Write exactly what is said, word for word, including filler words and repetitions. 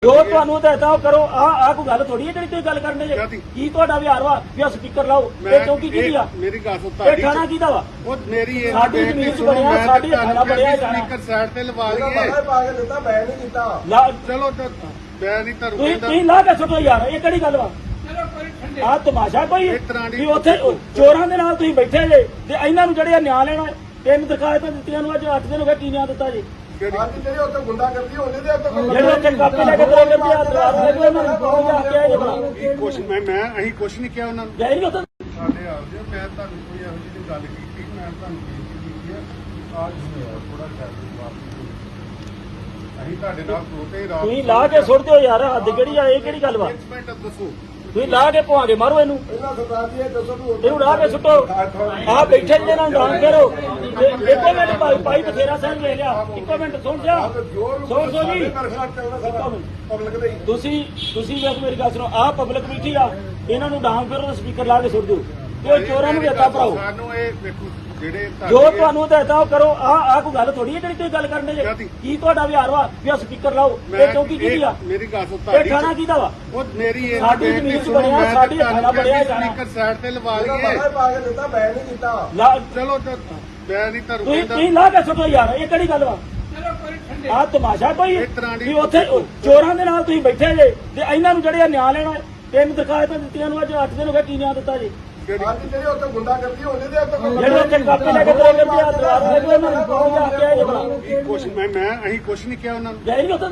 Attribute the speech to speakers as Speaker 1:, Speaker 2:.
Speaker 1: ਜੋ ਤੁਹਾਨੂੰ ਹਦਾਇਤਾਂ ਕरो ਆ ਆ ਕੋਈ ਗੱਲ ਥੋੜੀ ਹੈ ਜਿਹੜੀ ਤੁਸੀਂ ਗੱਲ ਕਰਨੇ ਜੇ ਕੀ ਤੁਹਾਡਾ ਵਿਹਾਰ ਵਾ ਵੀ ਸਪੀਕਰ ਲਾਓ ਇਹ ਚੌਂਕੀ ਕਿਹਦੀ ਆ
Speaker 2: ਮੇਰੀ ਗੱਲ ਸੁਣ
Speaker 1: ਇਹ ਥਾਣਾ ਕਿਹਦਾ ਵਾ
Speaker 2: ਉਹ ਮੇਰੀ ਇਹ
Speaker 1: ਸਾਡੀ ਜ਼ਮੀਨ ਚ ਬਣਿਆ ਸਾਡੀ ਥਾਣਾ ਬਣਿਆ ਜਾਣਾ
Speaker 2: ਸਪੀਕਰ ਸਾਈਡ ਤੇ ਲਵਾ ਲਈਏ
Speaker 3: ਪਾ ਕੇ ਦਿੱਤਾ ਮੈਂ ਨਹੀਂ ਕੀਤਾ
Speaker 2: ਚਲੋ ਮੈਂ ਨਹੀਂ ਤਾਂ
Speaker 1: ਤੁਸੀਂ ਤੁਸੀਂ ਲਾ ਕੇ ਸੁੱਟੋ ਯਾਰ ਇਹ ਕਿਹੜੀ ਗੱਲ ਵਾ ਆ ਤਮਾਸ਼ਾ ਕੋਈ ਵੀ ਉੱਥੇ ਚੋਰਾਂ ਦੇ ਨਾਲ ਤੁਸੀਂ ਬੈਠੇ ਜੇ ਤੇ ਇਹਨਾਂ ਨੂੰ ਜਿਹੜੇ ਨਿਆਂ ਲੈਣਾ ਤਿੰਨ ਦਰਖਾਸਤਾਂ ਦਿੱਤੀਆਂ ਨੂੰ ਅੱਜ ਅੱਠ ਦਿਨ ਹੋ ਗਏ ਕੀ ਨਿਆਂ ਦਿੱਤਾ ਜੀ
Speaker 3: ਅੱਜ ਜਿਹੜੇ ਉੱਥੇ ਗੁੰਡਾ ਕਰਦੀ ਹੁੰਦੀ ਤੇ ਉੱਥੇ
Speaker 1: ਜਿਹੜੇ ਉੱਥੇ ਕਾਪੀ ਲੈ ਕੇ ਤੁਰੇ ਫਿਰਦੇ ਆ ਦਰਾਰ ਲੈ ਕੇ ਉਹਨਾਂ ਨੂੰ ਫੋਨ ਜਾ ਕੇ ਆਏ ਜੇ ਬਣਾ
Speaker 2: ਕੁਛ ਮੈਂ ਮੈਂ ਅਸੀਂ ਕੁਛ ਨਹੀਂ ਕਿਹਾ ਉਹਨਾਂ ਨੂੰ
Speaker 1: ਗਏ ਨਹੀਂ ਉੱਥੇ
Speaker 2: ਸਾਡੇ ਆ ਜੀ ਮੈਂ ਤੁਹਾਨੂੰ ਕੋਈ ਇਹੋ ਜਿਹੀ ਗੱਲ ਕੀਤੀ ਮੈਂ ਤੁਹਾਨੂੰ ਬੇਨਤੀ ਕੀਤੀ ਹੈ ਆਜ ਥੋੜਾ ਖਿਆਲ ਅਸੀਂ ਤੁਹਾਡੇ ਨਾਲ ਦੋਤੇ ਰਾਤ
Speaker 1: ਤੁਸੀਂ ਲਾ ਕੇ ਸੁੱਟ ਦਿਓ ਯਾਰ ਹੱਦ ਕਿਹੜੀ ਆ ਇਹ ਕਿਹੜੀ ਗੱਲ ਵਾ
Speaker 2: ਇੱਕ ਮਿੰਟ ਦੱਸੋ
Speaker 1: ਤੁਸੀਂ ਲਾ ਕੇ ਪਵਾਂਗੇ ਮਾਰੋ ਇਹਨੂੰ
Speaker 3: ਇਹਨਾਂ ਸਰਦਾਰ ਜੀ ਇਹ ਦੱਸੋ ਵੀ
Speaker 1: ਇਹਨੂੰ ਲਾ ਕੇ ਸੁੱਟੋ ਆ ਬੈਠੇ ਜਿਹਨਾਂ ਨੂੰ ਡਾਂਗ ਫੇਰੋ ਤੇ ਇੱਕੋ ਮਿੰਟ ਭਾਈ ਭਾਈ ਬਥੇਰਾ ਸਾਹਿਬ ਵੇਖ ਲਿਆ ਇੱਕੋ ਮਿੰਟ ਸੁਣ ਜਾ ਸੁਣ ਸੋ ਜੀ
Speaker 3: ਪਬਲਿਕ ਦੇ
Speaker 1: ਤੁਸੀਂ ਤੁਸੀਂ ਵੇਖ ਮੇਰੀ ਗੱਲ ਸੁਣੋ ਆ ਪਬਲਿਕ ਬੈਠੀ ਆ ਇਹਨਾਂ ਨੂੰ ਡਾਂਗ ਫੇਰੋ ਤੇ ਸਪੀਕਰ ਲਾ ਕੇ ਸੁੱਟ ਦਿਓ ਤੇ ਉਹ ਚੋਰਾਂ ਨੂੰ ਵੀ ਹੱਥਾਂ ਭਰਾਓ
Speaker 2: ਸਾਨੂੰ ਇਹ ਵੇਖੋ ਜਿਹੜੇ
Speaker 1: ਜੋ ਤੁਹਾਨੂੰ ਹਦਾਇਤਾਂ ਕਰੋ ਆ ਆ ਕੋਈ ਗੱਲ ਥੋੜੀ ਹੈ ਜਿਹੜੀ ਤੁਸੀਂ ਗੱਲ ਕਰਨੇ ਜੇ ਕੀ ਤੁਹਾਡਾ ਵਿਹਾਰ ਵਾ ਵੀ ਸਪੀਕਰ ਲਾਓ ਇਹ ਚੌਂਕੀ ਕਿਹਦੀ ਆ
Speaker 2: ਮੇਰੀ ਗੱਲ ਸੁਣ
Speaker 1: ਇਹ ਥਾਣਾ ਕਿਹਦਾ ਵਾ
Speaker 2: ਉਹ ਮੇਰੀ ਇਹ
Speaker 1: ਸਾਡੀ ਜ਼ਮੀਨ ਚ ਬਣਿਆ ਸਾਡੀ ਥਾਣਾ ਬਣਿਆ ਜਾਣਾ
Speaker 2: ਸਪੀਕਰ ਸਾਈਡ ਤੇ ਲਵਾ ਲਈਏ
Speaker 3: ਪਾ ਕੇ ਦਿੱਤਾ ਮੈਂ ਨਹੀਂ ਕੀਤਾ
Speaker 2: ਚਲੋ ਮੈਂ ਨਹੀਂ ਤਾਂ
Speaker 1: ਤੁਸੀਂ ਤੁਸੀਂ ਲਾ ਕੇ ਸੁੱਟੋ ਯਾਰ ਇਹ ਕਿਹੜੀ ਗੱਲ ਵਾ ਆ ਤਮਾਸ਼ਾ ਕੋਈ ਵੀ ਉੱਥੇ ਚੋਰਾਂ ਦੇ ਨਾਲ ਤੁਸੀਂ ਬੈਠੇ ਜੇ ਤੇ ਇਹਨਾਂ ਨੂੰ ਜਿਹੜੇ ਨਿਆਂ ਲੈਣਾ ਤਿੰਨ ਦਰਖਾਸਤਾਂ ਦਿੱਤੀਆਂ ਨੂੰ ਅੱਜ ਅੱਠ ਦਿਨ ਹੋ ਗਏ ਕੀ ਨਿਆਂ ਦਿੱਤਾ ਜੀ
Speaker 3: ਅੱਜ ਜਿਹੜੇ ਉੱਥੇ ਗੁੰਡਾ ਕਰਦੀ ਹੁੰਦੀ ਤੇ ਉੱਥੇ
Speaker 1: ਜਿਹੜੇ ਉੱਥੇ ਕਾਪੀ ਲੈ ਕੇ ਤੁਰੇ ਫਿਰਦੇ ਆ ਦਰਾਰ ਲੈ ਕੇ ਉਹਨਾਂ ਨੂੰ ਫੋਨ ਜਾ ਕੇ ਆਏ ਜੇ ਬਣਾ
Speaker 2: ਕੁਛ ਮੈਂ ਮੈਂ ਅਸੀਂ ਕੁਛ ਨਹੀਂ ਕਿਹਾ ਉਹਨਾਂ ਨੂੰ
Speaker 1: ਗਏ ਨਹੀਂ ਉੱਥੇ